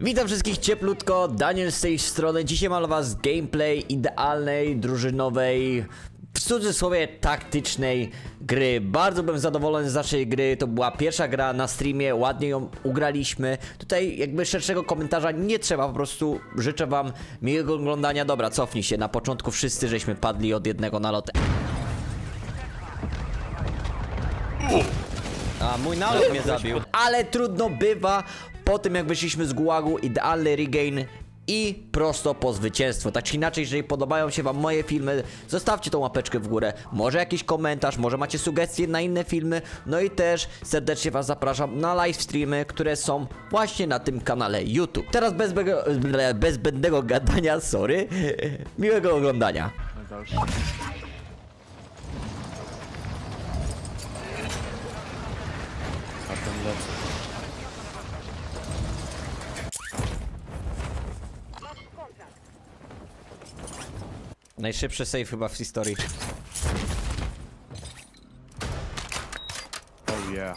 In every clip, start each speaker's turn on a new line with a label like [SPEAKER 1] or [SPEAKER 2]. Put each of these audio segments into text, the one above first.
[SPEAKER 1] Witam wszystkich cieplutko, Daniel z tej strony. Dzisiaj mam dla was gameplay idealnej, drużynowej, w cudzysłowie taktycznej gry. Bardzo byłem zadowolony z naszej gry, to była pierwsza gra na streamie, ładnie ją ugraliśmy. Tutaj jakby szerszego komentarza nie trzeba, po prostu życzę wam miłego oglądania. Dobra, cofnij się, na początku wszyscy żeśmy padli od jednego nalotu. A mój nalot mnie zabił. Ale trudno bywa. Po tym jak wyszliśmy z gułagu, idealny regain i prosto po zwycięstwo. Tak czy inaczej, jeżeli podobają się wam moje filmy, zostawcie tą łapeczkę w górę, może jakiś komentarz, może macie sugestie na inne filmy. No i też serdecznie was zapraszam na live streamy, które są właśnie na tym kanale YouTube. Teraz bez zbędnego gadania, sorry, miłego oglądania.
[SPEAKER 2] Najgorszy. A ten lecę.
[SPEAKER 1] Najszybszy save chyba w historii.
[SPEAKER 2] Oh yeah.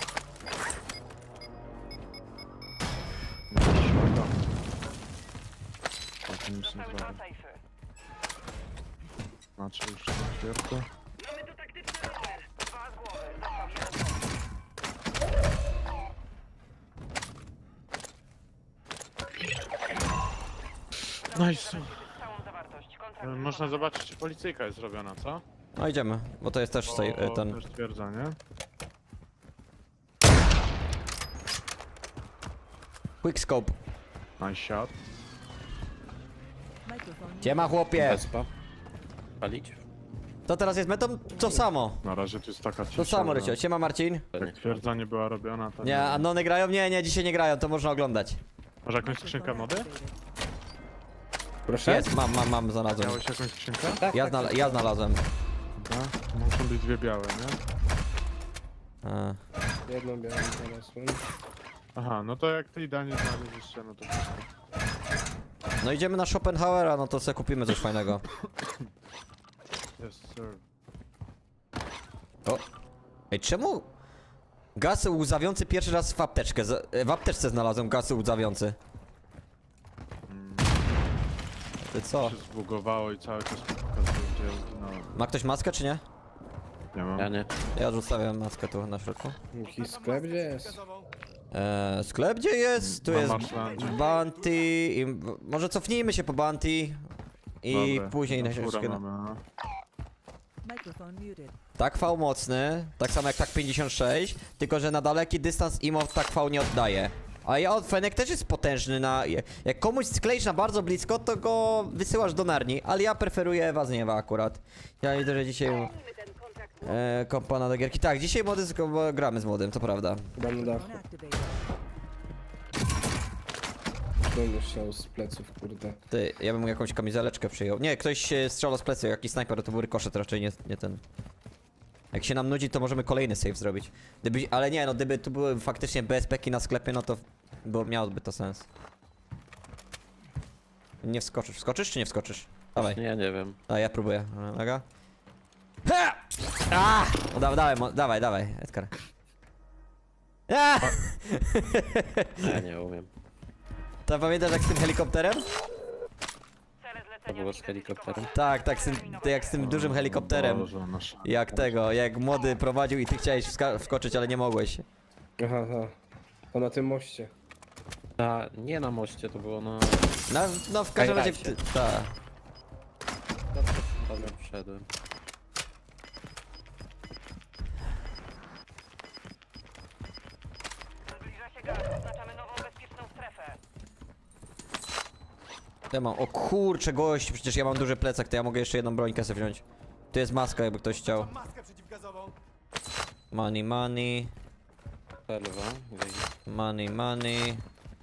[SPEAKER 2] Tak, nic nie zrobię. Znaczy już na świerku. Nice. Można zobaczyć, czy policyjka jest zrobiona, co?
[SPEAKER 1] No idziemy, bo to jest też save, ten...
[SPEAKER 2] Też stwierdzenie.
[SPEAKER 1] Quickscope.
[SPEAKER 2] Nice shot.
[SPEAKER 1] Siema chłopie.
[SPEAKER 3] Wespa. Palić?
[SPEAKER 1] To teraz jest metą? To samo.
[SPEAKER 2] Na razie to jest taka cisza.
[SPEAKER 1] To samo,
[SPEAKER 2] że
[SPEAKER 1] Rycio. Siema Marcin.
[SPEAKER 2] Jak stwierdzenie była robiona, to
[SPEAKER 1] Nie, Anony grają? Nie, dzisiaj nie grają, to można oglądać.
[SPEAKER 2] Masz jakąś skrzynkę mody?
[SPEAKER 3] Proszę?
[SPEAKER 1] Jest, mam, znalazłem.
[SPEAKER 2] Miałeś jakąś skrzynkę?
[SPEAKER 1] Ja znalazłem.
[SPEAKER 2] Dobra. To muszą być dwie białe, nie?
[SPEAKER 3] Jedną białą znalazłem.
[SPEAKER 2] Aha, no to jak ty i Daniel znaleźliście, no to wszystko.
[SPEAKER 1] No idziemy na Schopenhauera, no to sobie kupimy coś fajnego.
[SPEAKER 2] Yes, sir.
[SPEAKER 1] O. Ej, czemu? Gaz łzawiący pierwszy raz w apteczkę. W apteczce znalazłem gaz łzawiący. Ty co?
[SPEAKER 2] Się zbugowało i cały czas mi pokazuje, gdzie zginąłem.
[SPEAKER 1] Ma ktoś maskę czy nie?
[SPEAKER 2] Nie mam.
[SPEAKER 3] Ja nie.
[SPEAKER 1] Ja zostawiam maskę tu na środku.
[SPEAKER 3] Jakiś sklep gdzie jest?
[SPEAKER 1] Sklep gdzie jest? Tu
[SPEAKER 2] Mam
[SPEAKER 1] jest
[SPEAKER 2] marslandzie.
[SPEAKER 1] Bounty i... Może cofnijmy się po Bounty i
[SPEAKER 2] Dobra,
[SPEAKER 1] później na
[SPEAKER 2] furę
[SPEAKER 1] środku.
[SPEAKER 2] mamy, no.
[SPEAKER 4] Microphone muted.
[SPEAKER 1] Tak V mocny, tak samo jak tak 56, tylko że na daleki dystans IMO tak V nie oddaje. A ja Fenek też jest potężny na... Jak komuś skleisz na bardzo blisko, to go wysyłasz do Narni, ale ja preferuję was nie akurat. Ja widzę, że dzisiaj... kompana do gierki. Tak, dzisiaj młody gramy z młodym, to prawda.
[SPEAKER 3] Chyba na dachu.
[SPEAKER 4] Phone activated.
[SPEAKER 3] Będę strzał z pleców, kurde.
[SPEAKER 1] Ty, ja bym jakąś kamizeleczkę przyjął. Nie, ktoś strzelał z plecy, jakiś snajper, to był rykoszet, raczej nie ten. Jak się nam nudzi, to możemy kolejny save zrobić. Ale nie, no gdyby tu były faktycznie BSP-ki na sklepie, no to miałoby to sens. Nie wskoczysz. Wskoczysz czy nie wskoczysz? Dawaj.
[SPEAKER 3] Nie wiem.
[SPEAKER 1] A ja próbuję. Uwaga. Ha! A! O, dawaj, Edgar. A!
[SPEAKER 3] Ja nie umiem.
[SPEAKER 1] To pamiętasz jak z tym helikopterem?
[SPEAKER 3] To było z helikopterem.
[SPEAKER 1] Tak, jak z tym dużym helikopterem.
[SPEAKER 2] Boże, nasz...
[SPEAKER 1] Jak młody prowadził i ty chciałeś wskoczyć, ale nie mogłeś.
[SPEAKER 3] Aha, aha. To na tym moście.
[SPEAKER 1] Tak.
[SPEAKER 3] A nie na moście, to było na...
[SPEAKER 1] No w każdym razie...
[SPEAKER 3] Highlightie.
[SPEAKER 1] Tak.
[SPEAKER 3] Dobra, wszedłem.
[SPEAKER 5] Zbliża się gaz, oznaczamy nową bezpieczną strefę.
[SPEAKER 1] Ja mam... O kurczę, gość, przecież ja mam duży plecak, to ja mogę jeszcze jedną brońkę sobie wziąć. Tu jest maska, jakby ktoś chciał. Money.
[SPEAKER 3] Perwa.
[SPEAKER 1] Money.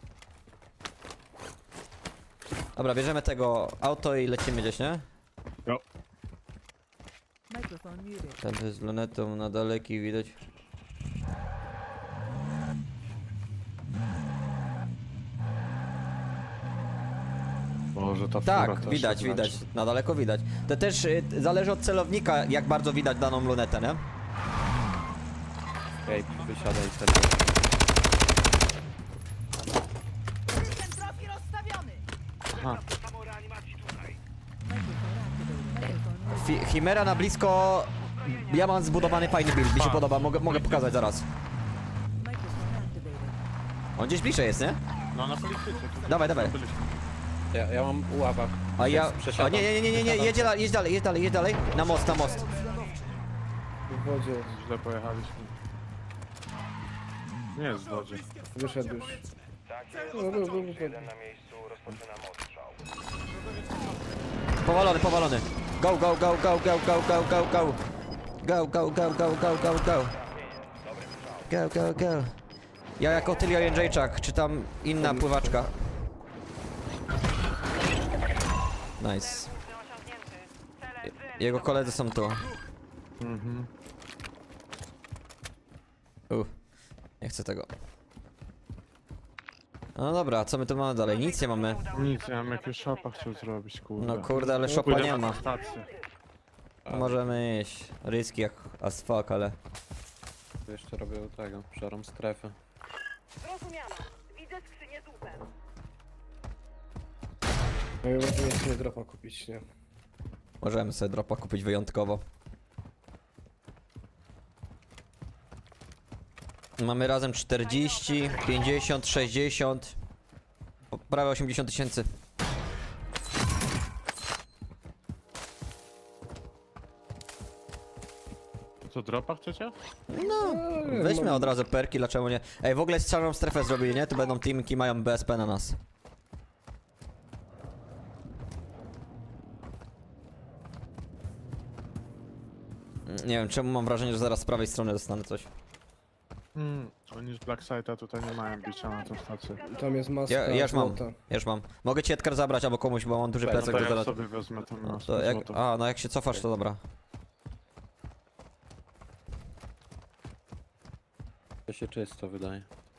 [SPEAKER 1] Dobra, bierzemy tego auto i lecimy gdzieś, nie?
[SPEAKER 2] No.
[SPEAKER 4] Microphone muted.
[SPEAKER 1] Ten z lunetą na daleki widać.
[SPEAKER 2] Boże, ta
[SPEAKER 1] Tak,
[SPEAKER 2] fura też
[SPEAKER 1] widać,
[SPEAKER 2] się
[SPEAKER 1] widać.
[SPEAKER 2] znaczy.
[SPEAKER 1] Na daleko widać. To też zależy od celownika, jak bardzo widać daną lunetę, nie?
[SPEAKER 3] Ej, wysiadaj wtedy.
[SPEAKER 5] Ten trofi
[SPEAKER 2] Aha.
[SPEAKER 1] Chimera na blisko. Ja mam zbudowany fajny build, mi się podoba, mogę pokazać zaraz.
[SPEAKER 4] Microphone activated.
[SPEAKER 1] On gdzieś bliżej jest, nie?
[SPEAKER 2] No na polityce. tutaj
[SPEAKER 1] Dawaj, dawaj.
[SPEAKER 2] byliśmy.
[SPEAKER 3] Ja mam uława.
[SPEAKER 1] A ja... O
[SPEAKER 3] Przesiadam.
[SPEAKER 1] nie, jedź dalej. Na most.
[SPEAKER 3] W wodzie.
[SPEAKER 2] Źle pojechaliśmy. Nie jest w wodzie.
[SPEAKER 3] Wyszedł już.
[SPEAKER 1] Powalony. Go. Go. Ja jako Tylio Jędrzejczak, czy tam inna pływaczka. Nice. Jego koledzy są tu.
[SPEAKER 2] Mhm.
[SPEAKER 1] Nie chcę tego. No dobra, co my tu mamy dalej? Nic nie mamy.
[SPEAKER 2] Nic, ja bym jakiegoś shopa chciał zrobić, kurde.
[SPEAKER 1] No kurde, ale szopa
[SPEAKER 2] Pójdę
[SPEAKER 1] nie
[SPEAKER 2] na
[SPEAKER 1] ma.
[SPEAKER 2] stację.
[SPEAKER 1] Możemy iść. Ryski jak as fuck, ale...
[SPEAKER 3] Jeszcze robię tego, szarą strefę.
[SPEAKER 5] Zrozumiano. Widzę skrzynię z łupem.
[SPEAKER 3] No i możemy jeszcze nie dropa kupić, nie?
[SPEAKER 1] Możemy sobie dropa kupić wyjątkowo. Mamy razem 40, 50, 60, prawie 80 tysięcy.
[SPEAKER 2] Co, dropa chcecie?
[SPEAKER 1] No, weźmy od razu perki, dlaczego nie? Ej, w ogóle czarną strefę zrobili, nie? Tu będą teamki, mają BSP na nas. Nie wiem, czemu mam wrażenie, że zaraz z prawej strony dostanę coś.
[SPEAKER 2] Oni z Blackside'a tutaj nie mają bicia na tą stację.
[SPEAKER 3] Tam jest maska.
[SPEAKER 1] Ja już mam,
[SPEAKER 3] złota.
[SPEAKER 1] Mogę ci Edgar zabrać albo komuś, bo mam duży
[SPEAKER 2] No
[SPEAKER 1] plecak
[SPEAKER 2] to
[SPEAKER 1] do
[SPEAKER 2] ja
[SPEAKER 1] zaraz.
[SPEAKER 2] sobie wezmę tą
[SPEAKER 1] No
[SPEAKER 2] maskę
[SPEAKER 1] to jak,
[SPEAKER 2] złotą.
[SPEAKER 1] no jak się cofasz, to dobra.
[SPEAKER 3] To się czysto wydaje.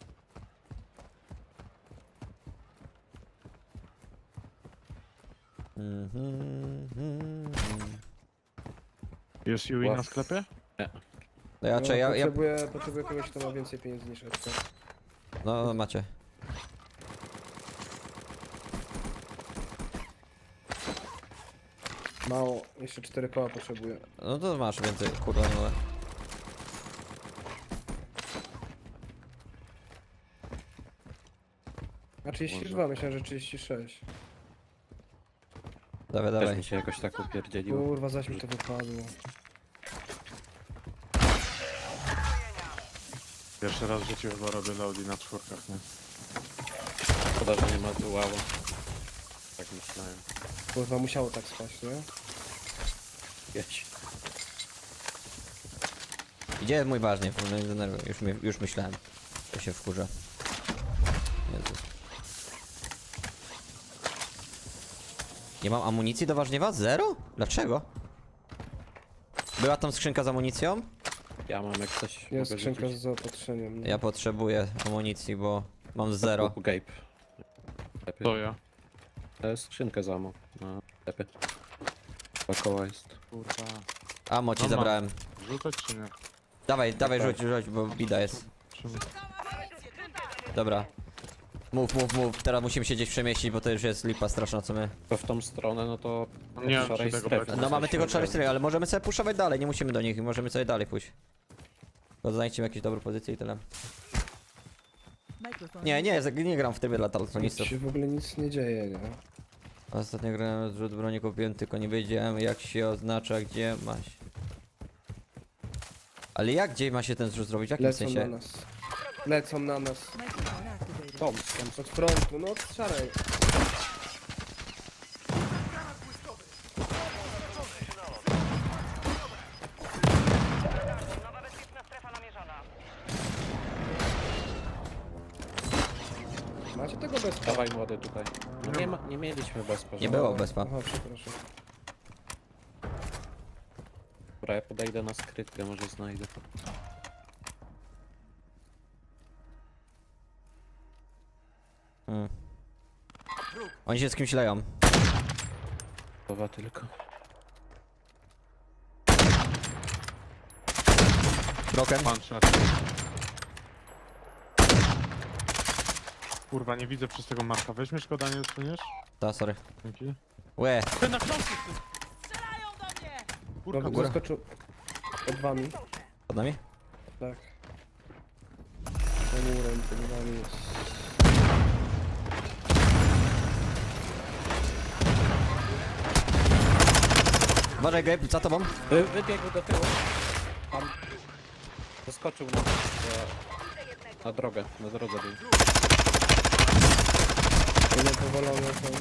[SPEAKER 2] Jest UI na sklepie?
[SPEAKER 1] No ja,
[SPEAKER 3] No,
[SPEAKER 1] ja,
[SPEAKER 3] potrzebuję kogoś, kto ma więcej pieniędzy niż Edka.
[SPEAKER 1] no macie.
[SPEAKER 3] Mało, jeszcze 4 koła potrzebuję.
[SPEAKER 1] No to masz więcej, kurde, no ale...
[SPEAKER 3] A 32, myślałem, że 36.
[SPEAKER 1] Dawaj,
[SPEAKER 3] Też
[SPEAKER 1] dawaj.
[SPEAKER 3] mi się jakoś tak upierdzieliło. Kurwa, zaś mi to wypadło.
[SPEAKER 2] Pierwszy raz w życiu chyba robię Audi na czwórkach, nie?
[SPEAKER 3] Szkoda, że nie ma tu uława. Tak myślałem. Kurwa, musiało tak spać, nie? Jedź.
[SPEAKER 1] Idzie mój ważny, nie denerwuj, już myślałem. To się wkurza. Jezus. Nie mam amunicji do ważniewa? Zero? Dlaczego? Była tam skrzynka z amunicją?
[SPEAKER 3] Ja mam jak coś.
[SPEAKER 6] Jest
[SPEAKER 3] mogę
[SPEAKER 6] skrzynka
[SPEAKER 3] rzucić.
[SPEAKER 6] z zaopatrzeniem. No.
[SPEAKER 1] Ja potrzebuję amunicji, bo mam zero.
[SPEAKER 3] Kup Gabe. Lepiej.
[SPEAKER 2] To ja.
[SPEAKER 3] Skrzynkę z ammo. Na lepiej. Dwa koła jest.
[SPEAKER 2] Kurwa.
[SPEAKER 1] Amo ci
[SPEAKER 2] No mam.
[SPEAKER 1] zabrałem.
[SPEAKER 2] Rzucać czy nie?
[SPEAKER 1] Dawaj, rzuć, bo bida jest.
[SPEAKER 2] Czemu?
[SPEAKER 1] Dobra. Mów. Teraz musimy się gdzieś przemieścić, bo to już jest lipa straszna, co my...
[SPEAKER 3] To w tą stronę, no to...
[SPEAKER 2] Nie
[SPEAKER 3] od
[SPEAKER 2] mam
[SPEAKER 3] szarej
[SPEAKER 2] czy tego
[SPEAKER 3] strefy
[SPEAKER 2] brać.
[SPEAKER 1] No mamy tylko
[SPEAKER 3] musimy
[SPEAKER 1] czary
[SPEAKER 3] grać.
[SPEAKER 1] stry, ale możemy sobie puszować dalej, nie musimy do nich, możemy sobie dalej pójść. Bo znajdźmy jakieś dobre pozycje i tyle.
[SPEAKER 4] Microphone
[SPEAKER 1] Nie gram w trybie dla
[SPEAKER 6] Nic
[SPEAKER 1] telefonistów.
[SPEAKER 6] się w ogóle nic nie dzieje, nie?
[SPEAKER 1] Ostatnio grałem zrzut broni kupiłem, tylko nie wiedziałem jak się oznacza, gdzie ma się. Ale gdzie ma się ten zrzut zrobić? W jakim
[SPEAKER 6] Lecą na
[SPEAKER 1] sensie?
[SPEAKER 6] nas. Lecą na nas.
[SPEAKER 4] Microphone activated.
[SPEAKER 3] Tom,
[SPEAKER 6] Od frontu, no od szarej.
[SPEAKER 5] Nowa bezpieczna strefa namierzona.
[SPEAKER 6] Macie tego bez
[SPEAKER 3] dawaj młody tutaj. No nie mieliśmy bezpa.
[SPEAKER 1] Nie było bezpa.
[SPEAKER 6] Aha, przepraszam.
[SPEAKER 3] Dobra, ja podejdę na skrytkę, może znajdę.
[SPEAKER 1] Oni się z kimś leją.
[SPEAKER 3] Słowa tylko.
[SPEAKER 1] Broken.
[SPEAKER 2] Pan szat. kurwa, nie widzę przez tego Marka. Weźmiesz go, Daniel, suniesz?
[SPEAKER 1] Ta, sorry.
[SPEAKER 2] Dzięki.
[SPEAKER 1] Łe,
[SPEAKER 2] Ty na książce, ty!
[SPEAKER 6] Dobra,
[SPEAKER 1] góra.
[SPEAKER 6] zaskoczył. Pod wami.
[SPEAKER 1] pod nami?
[SPEAKER 6] Tak. Za murem, pod wami jest.
[SPEAKER 1] Uważaj, Gabe, za tobą.
[SPEAKER 3] Wybiegł do tyłu. Tam. Zaskoczył na drogę. Na drodze był.
[SPEAKER 6] Jeden powalony są.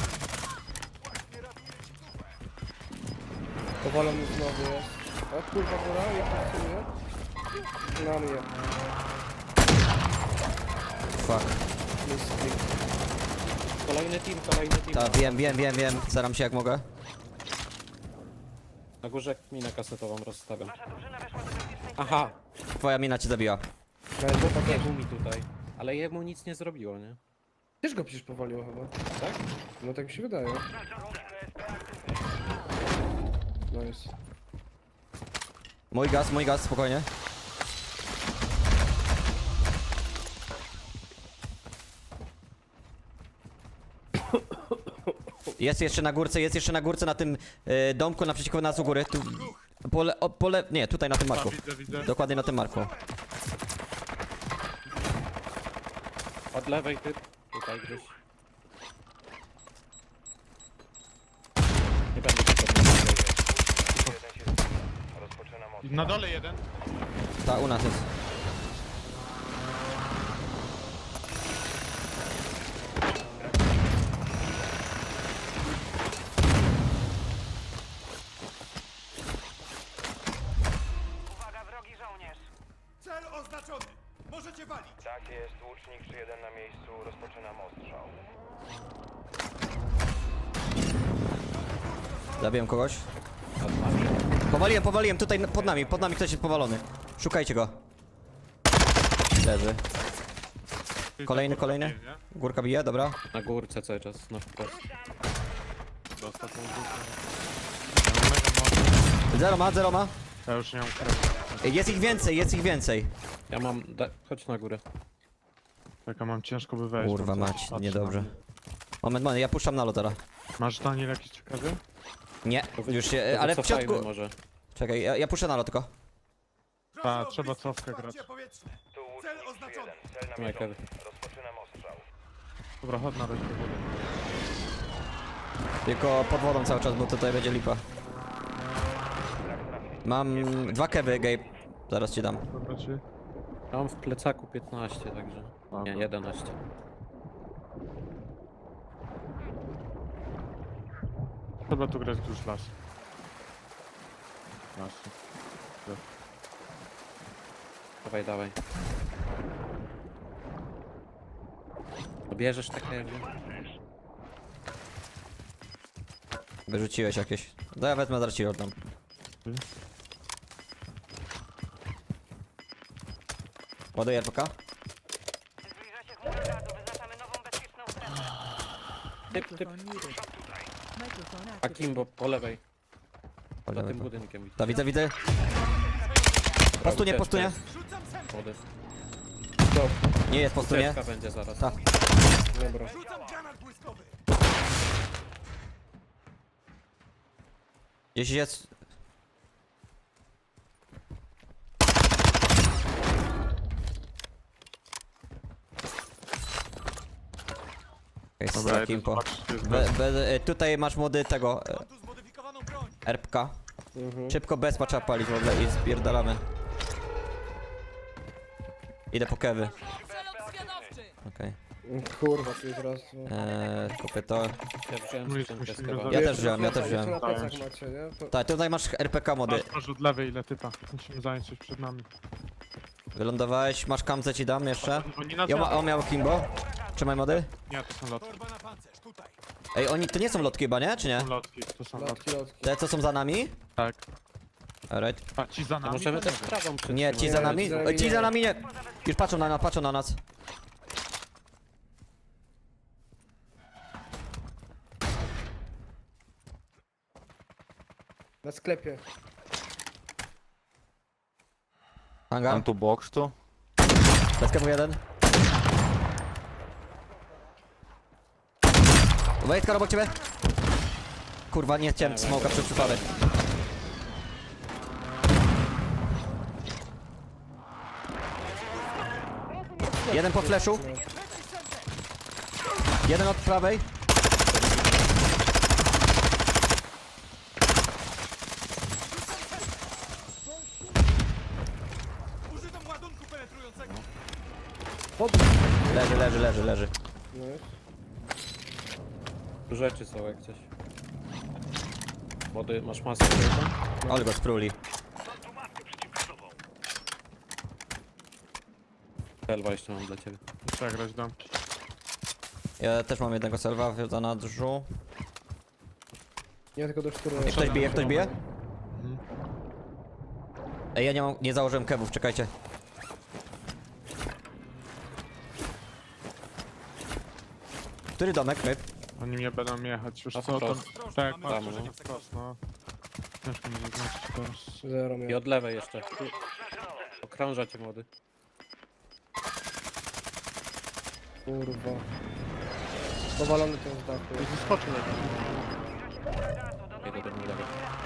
[SPEAKER 6] Powalony znowu jest. O kurwa, góra, jak pracuje? Na mnie.
[SPEAKER 1] Fuck.
[SPEAKER 6] Misty.
[SPEAKER 3] Kolejny team, kolejny team.
[SPEAKER 1] Ta, wiem. Staram się jak mogę.
[SPEAKER 3] Na górze minę kasetową rozstawiam. Aha!
[SPEAKER 1] Twoja mina cię zabiła.
[SPEAKER 3] Biegł mi tutaj. Ale jemu nic nie zrobiło, nie?
[SPEAKER 6] Też go przecież powaliło chyba.
[SPEAKER 3] Tak?
[SPEAKER 6] No tak mi się wydaje. Nice.
[SPEAKER 1] Mój gaz, spokojnie. Jest jeszcze na górce na tym domku naprzeciwko nas u góry. Tu, nie, tutaj na tym
[SPEAKER 2] A,
[SPEAKER 1] marku.
[SPEAKER 2] widzę.
[SPEAKER 1] Dokładnie na tym marku.
[SPEAKER 3] Od lewej typ. Tutaj gdzieś. Nie będę się podnosił.
[SPEAKER 2] Na dole jeden.
[SPEAKER 1] Ta, u nas jest.
[SPEAKER 5] Uwaga, wrogi żołnierz.
[SPEAKER 7] Cel oznaczony! Możecie walić! Tak jest, łucznik 3-1 na miejscu, rozpoczynam ostrzał.
[SPEAKER 1] Zabiłem kogoś. Powaliłem, tutaj pod nami ktoś jest powalony. Szukajcie go. Leży. Kolejny.
[SPEAKER 2] Nie?
[SPEAKER 1] Górka bije, dobra.
[SPEAKER 3] Na górce cały czas, na wprost.
[SPEAKER 2] Dostał tą górkę. Ja mam mega moc.
[SPEAKER 1] Zero ma.
[SPEAKER 2] Ja już nie mam krew.
[SPEAKER 1] Jest ich więcej.
[SPEAKER 3] Ja mam... Chodź na górę.
[SPEAKER 2] Taka mam ciężko by wejść.
[SPEAKER 1] Kurwa
[SPEAKER 2] tam
[SPEAKER 1] mać,
[SPEAKER 2] patrzę
[SPEAKER 1] niedobrze.
[SPEAKER 2] na mnie.
[SPEAKER 1] Moment, ja puszczam na lotera.
[SPEAKER 2] Masz, Daniel, jakiś ciekawy?
[SPEAKER 1] Nie, już się,
[SPEAKER 3] To
[SPEAKER 1] ale w
[SPEAKER 3] wycofajmy
[SPEAKER 1] środku...
[SPEAKER 3] może.
[SPEAKER 1] Czekaj, ja puszczę na lot tylko.
[SPEAKER 2] Ta, trzeba cofkę grać.
[SPEAKER 7] powietrzne! Tu Cel łucznik oznaczony! 3-1, cel
[SPEAKER 3] Trzymaj
[SPEAKER 7] namierzony.
[SPEAKER 3] kewy.
[SPEAKER 7] Rozpoczynam ostrzał.
[SPEAKER 2] Dobra, chodź na razie do wody.
[SPEAKER 1] Tylko pod wodą cały czas, bo tutaj będzie lipa. Mam 2 kewy, Gabe. Zaraz ci dam.
[SPEAKER 2] Dobra, czy?
[SPEAKER 3] Ja mam w plecaku 15, także... Nie, 11.
[SPEAKER 2] Trzeba tu grać już las. Las.
[SPEAKER 3] Dawaj. Bierzesz takie jakby?
[SPEAKER 1] Wyrzuciłeś jakieś. No ja wezmę, zaraz ci oddam. Ładuję RPK?
[SPEAKER 5] Zbliża się chmura gazu, wyznaczamy nową bezpieczną strefę.
[SPEAKER 3] Typ.
[SPEAKER 4] Microphone muted. Microphone activated.
[SPEAKER 3] Akimbo, po lewej. Za
[SPEAKER 1] Chodźmy
[SPEAKER 3] tym
[SPEAKER 1] tu.
[SPEAKER 3] budynkiem.
[SPEAKER 1] Ta, widzę. Postunie.
[SPEAKER 3] Młody.
[SPEAKER 6] Stop.
[SPEAKER 1] Nie jest postunie.
[SPEAKER 3] Ucieczka będzie zaraz.
[SPEAKER 1] Ta.
[SPEAKER 6] Dobra.
[SPEAKER 7] Rzucam granat błyskowy!
[SPEAKER 1] Jeśli jest... Jest
[SPEAKER 2] Dobra,
[SPEAKER 1] takim
[SPEAKER 2] jeden
[SPEAKER 1] po.
[SPEAKER 2] patrz, jest bez.
[SPEAKER 1] Tutaj masz młody tego
[SPEAKER 7] Mam tu zmodyfikowaną broń!
[SPEAKER 1] RPK.
[SPEAKER 6] Mhm.
[SPEAKER 1] Szybko bezpa trzeba palić w ogóle i spierdalamy. Idę po kewy. Okej.
[SPEAKER 6] Kurwa, tu jest raz.
[SPEAKER 1] Kupię to.
[SPEAKER 3] Ja wziąłem
[SPEAKER 2] Musimy
[SPEAKER 3] skrzynkę z
[SPEAKER 2] go
[SPEAKER 3] kebabem.
[SPEAKER 1] Ja
[SPEAKER 6] Jeszcze
[SPEAKER 1] też wziąłem, ja też
[SPEAKER 6] jeszcze
[SPEAKER 1] wziąłem.
[SPEAKER 6] na plecach macie, nie?
[SPEAKER 1] Tak, tutaj masz RPK mody.
[SPEAKER 2] Masz od lewej ile typa. Musimy zająć coś przed nami.
[SPEAKER 1] Wylądowałeś, masz kamce ci dam jeszcze.
[SPEAKER 2] Oni nas
[SPEAKER 1] On miał Kimbo. Trzymaj mody.
[SPEAKER 2] Nie, to są lotki.
[SPEAKER 7] Torba na pancerz, tutaj!
[SPEAKER 1] Ej, oni to nie są lotki chyba, nie? Czy nie?
[SPEAKER 2] To są lotki, to są lotki.
[SPEAKER 6] Lotki.
[SPEAKER 1] Te co są za nami?
[SPEAKER 2] Tak.
[SPEAKER 1] Alright.
[SPEAKER 2] A ci za
[SPEAKER 3] A
[SPEAKER 2] nami?
[SPEAKER 3] możemy
[SPEAKER 2] to
[SPEAKER 3] też
[SPEAKER 2] wiem.
[SPEAKER 3] prawą przytrzymać.
[SPEAKER 1] Nie, ci za nami? Ci za nami nie. Już patrzą na nas.
[SPEAKER 6] Na sklepie.
[SPEAKER 1] Hangar.
[SPEAKER 8] tu box tu?
[SPEAKER 1] Bez kewu jeden. Wejtka obok ciebie. Kurwa, nie chciałem smoka przez przypadek. Jeden po flashu. Jeden od prawej.
[SPEAKER 7] Używam ładunku penetrującego.
[SPEAKER 1] Leży.
[SPEAKER 6] No jest.
[SPEAKER 3] Tu rzeczy są jak coś. Młody, masz maskę tutaj?
[SPEAKER 1] Ale go spruli.
[SPEAKER 3] Selwa jeszcze mam dla ciebie.
[SPEAKER 2] Trzeba grać domki.
[SPEAKER 1] Ja też mam jednego selwa w zanadrzu.
[SPEAKER 6] Ja tylko do sztury.
[SPEAKER 1] Ktoś bije? Ej, ja nie założyłem kewów, czekajcie. Który domek? My?
[SPEAKER 2] Oni mnie będą jechać, już
[SPEAKER 3] A
[SPEAKER 2] co tam?
[SPEAKER 3] wprost.
[SPEAKER 2] Tak,
[SPEAKER 3] Tam,
[SPEAKER 2] patrz,
[SPEAKER 3] no.
[SPEAKER 2] wprost, no. Ciężko mi zaznaczyć teraz.
[SPEAKER 6] Zero
[SPEAKER 3] I
[SPEAKER 6] miał.
[SPEAKER 3] od lewej jeszcze. Tu. Okrąża cię młody.
[SPEAKER 6] Kurwa. Powalony ten z dachu.
[SPEAKER 2] I zeskoczył jakiś.
[SPEAKER 3] Jedę do lewej.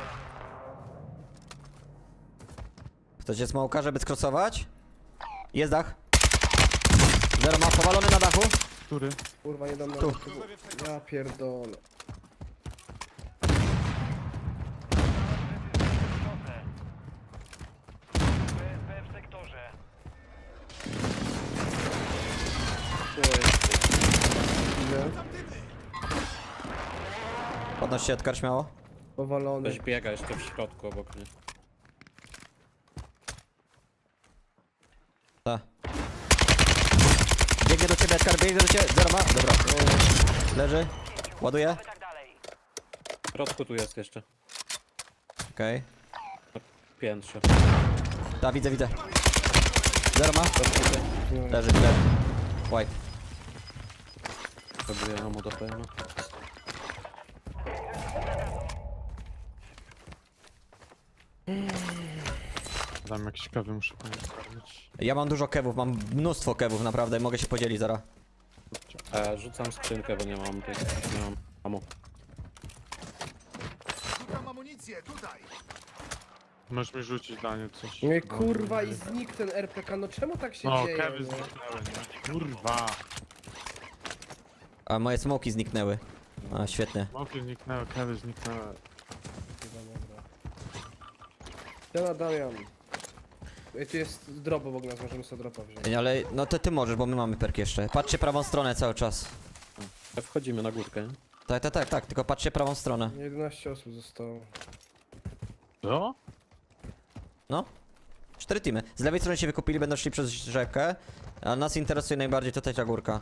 [SPEAKER 1] Chcecie smoka, żeby skrosować? Jest dach. Zero ma powalony na dachu.
[SPEAKER 2] Który?
[SPEAKER 6] Kurwa, nie dam na
[SPEAKER 1] Tu.
[SPEAKER 6] tego. Ja pierdolę.
[SPEAKER 7] w sektorze.
[SPEAKER 6] Ile?
[SPEAKER 1] Podnoś się, Edgar, śmiało.
[SPEAKER 6] Powalony.
[SPEAKER 3] Ktoś biega jeszcze w środku obok mnie.
[SPEAKER 1] Ta. Biegnie do ciebie, Edgar, biegnie do ciebie. Zero ma. Dobra. Leży. Ładuje.
[SPEAKER 5] Tak dalej.
[SPEAKER 3] W środku tu jest jeszcze.
[SPEAKER 1] Okej.
[SPEAKER 3] Piętrze.
[SPEAKER 1] Ta, widzę. Zero ma.
[SPEAKER 6] No.
[SPEAKER 1] Leży. White.
[SPEAKER 3] Próbuję mu do PM.
[SPEAKER 2] Tam jakiś kawy muszę poprawić.
[SPEAKER 1] Ja mam dużo kewów, mam mnóstwo kewów, naprawdę. Mogę się podzielić zaraz.
[SPEAKER 3] Rzucam skrzynkę, bo nie mam tej. Nie mam ammo.
[SPEAKER 7] Szukam amunicję, tutaj.
[SPEAKER 2] Możesz mi rzucić Daniel coś.
[SPEAKER 6] Nie, kurwa, i znikł ten RPK, no czemu tak się
[SPEAKER 2] No,
[SPEAKER 6] dzieje?
[SPEAKER 2] kawy
[SPEAKER 6] nie?
[SPEAKER 2] zniknęły, nie? Kurwa.
[SPEAKER 1] A moje smoki zniknęły. A, świetnie.
[SPEAKER 2] Smoki zniknęły, kawy zniknęły.
[SPEAKER 6] Dobra. Siema Damian. Ej, tu jest drop obok nas, możemy sobie dropa wziąć.
[SPEAKER 1] Ale no to ty możesz, bo my mamy perk jeszcze. Patrzcie prawą stronę cały czas.
[SPEAKER 3] Wchodzimy na górkę, nie?
[SPEAKER 1] Tak, tylko patrzcie prawą stronę.
[SPEAKER 6] 11 osób zostało.
[SPEAKER 2] Co?
[SPEAKER 1] No. 4 teamy. Z lewej strony się wykupili, będą szli przez rzekę. A nas interesuje najbardziej tutaj ta górka.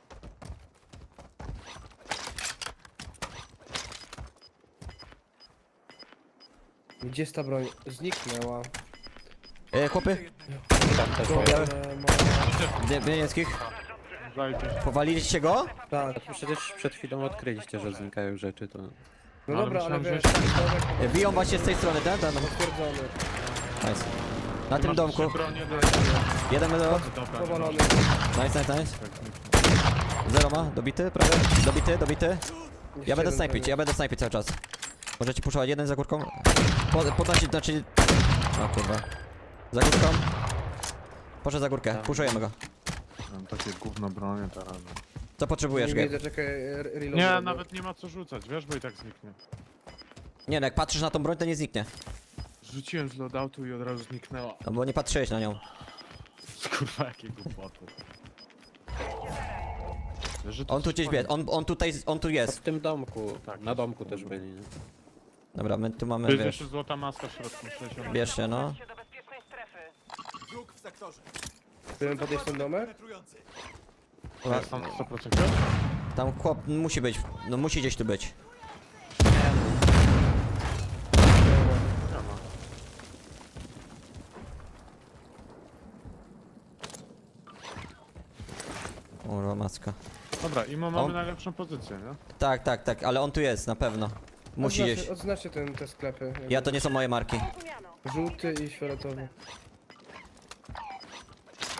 [SPEAKER 6] Gdzie jest ta broń? Zniknęła.
[SPEAKER 1] Chłopy,
[SPEAKER 3] Tam też
[SPEAKER 1] białe.
[SPEAKER 6] Ma...
[SPEAKER 1] Niebieskich.
[SPEAKER 2] Zajdzie.
[SPEAKER 1] Powaliliście go?
[SPEAKER 6] Tak.
[SPEAKER 3] Przecież przed chwilą odkryliście, że znikają rzeczy, to...
[SPEAKER 6] No
[SPEAKER 2] Ale
[SPEAKER 6] dobra, ale
[SPEAKER 2] myślałem,
[SPEAKER 6] wiesz,
[SPEAKER 2] że
[SPEAKER 6] domek
[SPEAKER 1] Biją właśnie z tej strony, tak?
[SPEAKER 6] potwierdzony.
[SPEAKER 1] Nice. Na tym domku. Jeden do...
[SPEAKER 2] Dobra,
[SPEAKER 6] Powalony.
[SPEAKER 1] Nice. Zero ma, dobity, prawie. Dobity. Ja będę snajpić cały czas. Możecie puszować jeden za górką. Podnosić, znaczy... O kurwa. Za górką. Poszedł za górkę, puszujemy go.
[SPEAKER 2] Mam takie gówno bronię teraz.
[SPEAKER 1] Co potrzebujesz,
[SPEAKER 6] Nie
[SPEAKER 1] Gabe?
[SPEAKER 6] widzę, czekaj, reload.
[SPEAKER 2] Nie, nawet nie ma co rzucać, wiesz, bo i tak zniknie.
[SPEAKER 1] Nie no, jak patrzysz na tą broń, to nie zniknie.
[SPEAKER 2] Rzuciłem z loadoutu i od razu zniknęła.
[SPEAKER 1] No bo nie patrzyłeś na nią.
[SPEAKER 2] Kurwa, jakie głupoty. Wiesz, że to
[SPEAKER 1] On tu gdzieś wie, on tu
[SPEAKER 3] A
[SPEAKER 1] jest.
[SPEAKER 3] w tym domku,
[SPEAKER 2] Tak.
[SPEAKER 3] na domku też byli, nie?
[SPEAKER 1] Dobra, my tu mamy,
[SPEAKER 2] To jest
[SPEAKER 1] wiesz.
[SPEAKER 2] jeszcze złota maska w środku, 60.
[SPEAKER 1] Bierz się, no.
[SPEAKER 5] Do bezpiecznej strefy.
[SPEAKER 7] Wróg w sektorze.
[SPEAKER 6] Chcemy podejść ten domek?
[SPEAKER 7] Penetrujący.
[SPEAKER 2] Jest tam 100%.
[SPEAKER 1] Tam chłop musi być, no musi gdzieś tu być. Kurwa maska.
[SPEAKER 2] Dobra, Imo mamy
[SPEAKER 1] On-
[SPEAKER 2] najlepszą pozycję, nie?
[SPEAKER 1] Tak, ale on tu jest, na pewno. Musi gdzieś.
[SPEAKER 6] Odznaczcie te sklepy.
[SPEAKER 1] Ja to nie są moje marki.
[SPEAKER 5] Rozumiano.
[SPEAKER 6] Żółty i fioletowy.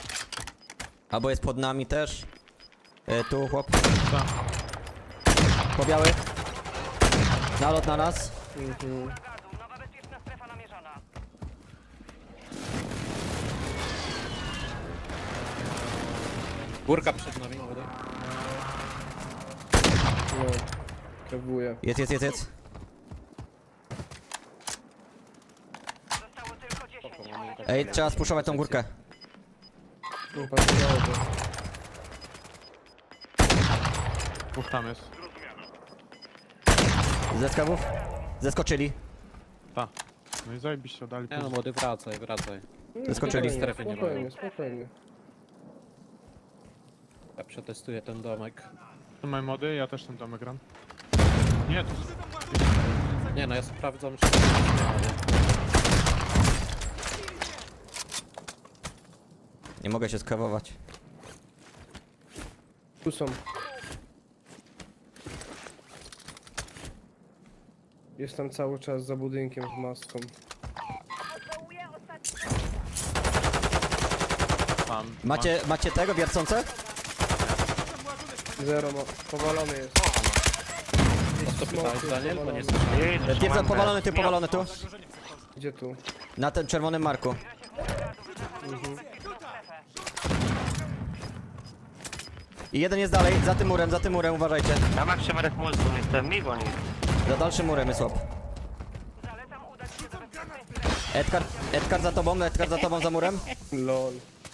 [SPEAKER 1] Albo jest pod nami też. Tu chłop.
[SPEAKER 2] Tak.
[SPEAKER 1] Po biały. Nalot na nas.
[SPEAKER 5] Gazu, nowa bezpieczna strefa namierzona.
[SPEAKER 3] Górka przed nami, młody.
[SPEAKER 6] No. Krawuję.
[SPEAKER 1] Jest.
[SPEAKER 5] Zostało tylko 10.
[SPEAKER 1] Ej, trzeba spuszować tą górkę.
[SPEAKER 6] No, patrzyło to.
[SPEAKER 2] Dwóch tam jest.
[SPEAKER 1] Ze skawów. Zeskoczyli.
[SPEAKER 2] Ta. No i zajebiście oddali
[SPEAKER 3] Nie no,
[SPEAKER 2] puls.
[SPEAKER 3] młody, wracaj, wracaj.
[SPEAKER 1] Zeskoczyli.
[SPEAKER 3] Strefy nie ma.
[SPEAKER 6] Spokojnie.
[SPEAKER 3] Ja przetestuję ten domek.
[SPEAKER 2] Tu mamy mody, ja też ten domek gram. Nie, tu
[SPEAKER 3] Nie no, ja sprawdzam, czy to nie ma.
[SPEAKER 1] Nie mogę się skawować.
[SPEAKER 6] Tu są. Jestem cały czas za budynkiem z maską.
[SPEAKER 2] tam.
[SPEAKER 1] Macie tego wiercące?
[SPEAKER 6] Zero ma... Powalony jest.
[SPEAKER 3] O co pytałeś, Daniel? Bo nie
[SPEAKER 1] Typ powalony, typ powalony tu.
[SPEAKER 6] Gdzie tu?
[SPEAKER 1] Na tym czerwonym marku. I jeden jest dalej, za tym murem, uważajcie.
[SPEAKER 8] Na maksymarek multum jestem mi goni.
[SPEAKER 1] Za dalszym murem jest łap.
[SPEAKER 5] Zalecam udać się do bezpiecznej strefy.
[SPEAKER 1] Edgar za tobą za murem.
[SPEAKER 6] LOL.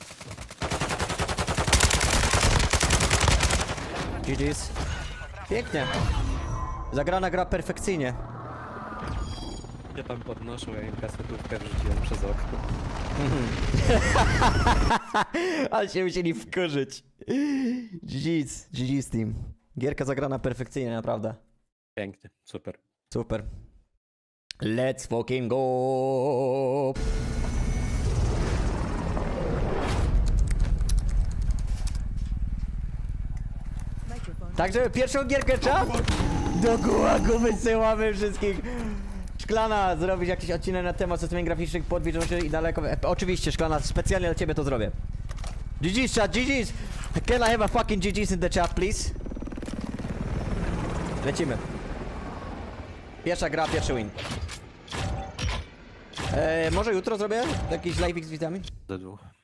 [SPEAKER 1] GG's. Pięknie. Zagrana gra perfekcyjnie.
[SPEAKER 3] się tam podnoszą, ja im kasetówkę wrzuciłem przez okno.
[SPEAKER 1] Ale się musieli wkurzyć. GG's team. Gierka zagrana perfekcyjnie, naprawdę.
[SPEAKER 3] Pięknie, super.
[SPEAKER 1] Super. Let's fucking go!
[SPEAKER 4] Microphone.
[SPEAKER 1] Także pierwszą gierkę trzeba do gułagu wysyłamy wszystkich. Szklana, zrobić jakiś odcinek na temat systemów graficznych, podwiedzony i daleko. Oczywiście, Szklana, specjalnie dla ciebie to zrobię. GG's chat, GG's! Can I have a fucking GG's in the chat, please? Lecimy. Pierwsza gra, pierwszy win. Może jutro zrobię jakiś live z widzami?
[SPEAKER 3] Z2.